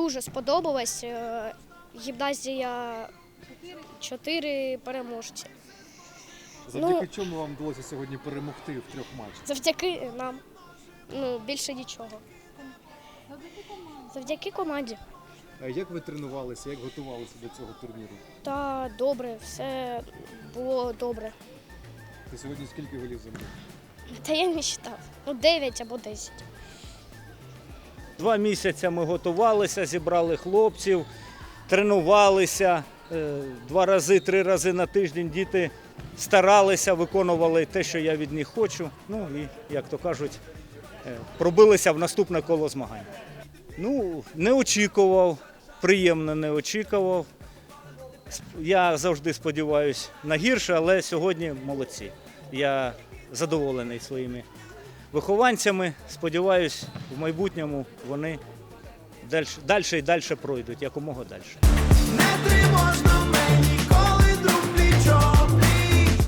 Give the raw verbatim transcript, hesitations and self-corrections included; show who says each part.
Speaker 1: дуже сподобалось. Е, Гімназія чотири переможці.
Speaker 2: Завдяки
Speaker 1: Ну,
Speaker 2: чому вам вдалося сьогодні перемогти в трьох матчах?
Speaker 1: Завдяки нам. Ну, більше нічого. Завдяки команді.
Speaker 2: А як ви тренувалися, як готувалися до цього турніру?
Speaker 1: Та добре, все було добре.
Speaker 2: Ти сьогодні скільки голів забив?
Speaker 1: Та я не вважав. Ну, дев'ять або десять.
Speaker 3: Два місяці ми готувалися, зібрали хлопців, тренувалися. Е, Два рази, три рази на тиждень діти старалися, виконували те, що я від них хочу. Ну і, як то кажуть, е, пробилися в наступне коло змагань. Ну, не очікував, приємно не очікував. Я завжди сподіваюся на гірше, але сьогодні молодці. Я задоволений своїми вихованцями. Сподіваюсь, в майбутньому вони далі і далі пройдуть, якомога далі.
Speaker 4: Не тривожно мені.